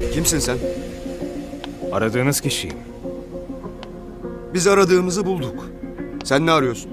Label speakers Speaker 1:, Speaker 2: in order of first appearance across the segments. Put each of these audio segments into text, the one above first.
Speaker 1: Kimsin sen?
Speaker 2: Aradığınız kişiyim.
Speaker 1: Biz aradığımızı bulduk. Sen ne arıyorsun?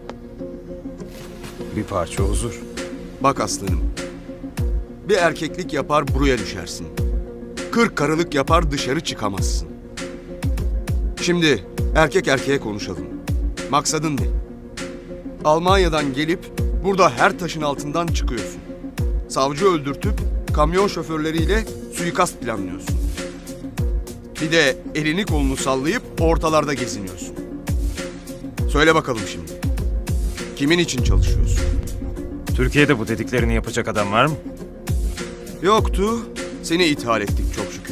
Speaker 2: Bir parça huzur.
Speaker 1: Bak aslanım. Bir erkeklik yapar buraya düşersin. 40 karılık yapar dışarı çıkamazsın. Şimdi erkek erkeğe konuşalım. Maksadın ne? Almanya'dan gelip burada her taşın altından çıkıyorsun. Savcı öldürtüp kamyon şoförleriyle suikast planlıyorsun. Bir de elini kolunu sallayıp ortalarda geziniyorsun. Söyle bakalım şimdi. Kimin için çalışıyorsun?
Speaker 2: Türkiye'de bu dediklerini yapacak adam var mı?
Speaker 1: Yoktu. Seni ithal ettik çok şükür.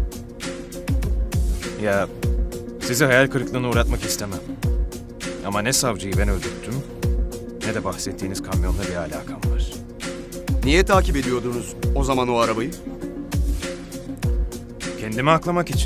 Speaker 2: Ya sizi hayal kırıklığına uğratmak istemem. Ama ne savcıyı ben öldürttüm ne de bahsettiğiniz kamyonla bir alakam var.
Speaker 1: Niye takip ediyordunuz o zaman o arabayı?
Speaker 2: Kendimi aklamak için.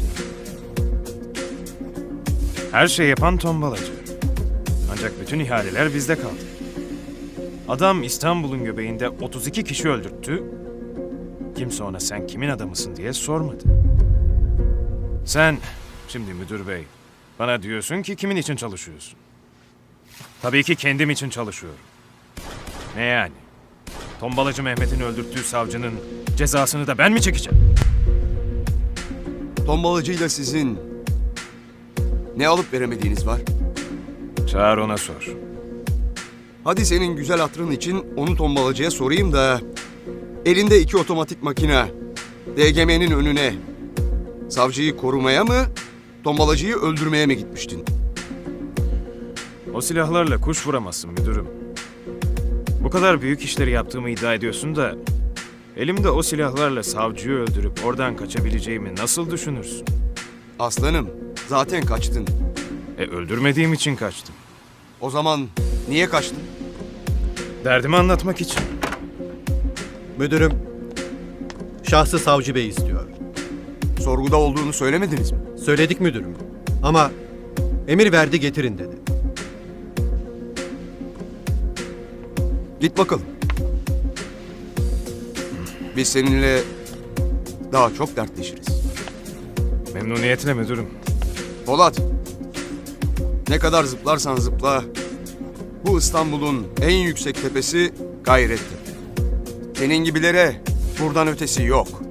Speaker 2: Her şeyi yapan tombalacı. Ancak bütün ihaleler bizde kaldı. Adam İstanbul'un göbeğinde 32 kişi öldürttü. Kimse ona sen kimin adamısın diye sormadı. Sen, şimdi müdür bey, bana diyorsun ki kimin için çalışıyorsun? Tabii ki kendim için çalışıyorum. Ne yani? Tombalacı Mehmet'in öldürttüğü savcının cezasını da ben mi çekeceğim?
Speaker 1: Tombalacıyla sizin ne alıp veremediğiniz var?
Speaker 2: Çağır ona sor.
Speaker 1: Hadi senin güzel hatırın için onu tombalacıya sorayım da... Elinde 2 otomatik makine, DGM'nin önüne savcıyı korumaya mı, tombalacıyı öldürmeye mi gitmiştin?
Speaker 2: O silahlarla kuş vuramazsın müdürüm. Bu kadar büyük işleri yaptığımı iddia ediyorsun da... Elimde o silahlarla savcıyı öldürüp oradan kaçabileceğimi nasıl düşünürsün?
Speaker 1: Aslanım, zaten kaçtın.
Speaker 2: Öldürmediğim için kaçtım.
Speaker 1: O zaman niye kaçtın?
Speaker 2: Derdimi anlatmak için.
Speaker 3: Müdürüm, şahsı savcı bey istiyor.
Speaker 1: Sorguda olduğunu söylemediniz mi?
Speaker 3: Söyledik müdürüm ama emir verdi getirin dedi.
Speaker 1: Git bakalım. Biz seninle daha çok dertleşiriz.
Speaker 2: Memnuniyetle müdürüm.
Speaker 1: Polat, ne kadar zıplarsan zıpla, bu İstanbul'un en yüksek tepesi Gayrettepe. Senin gibilere buradan ötesi yok.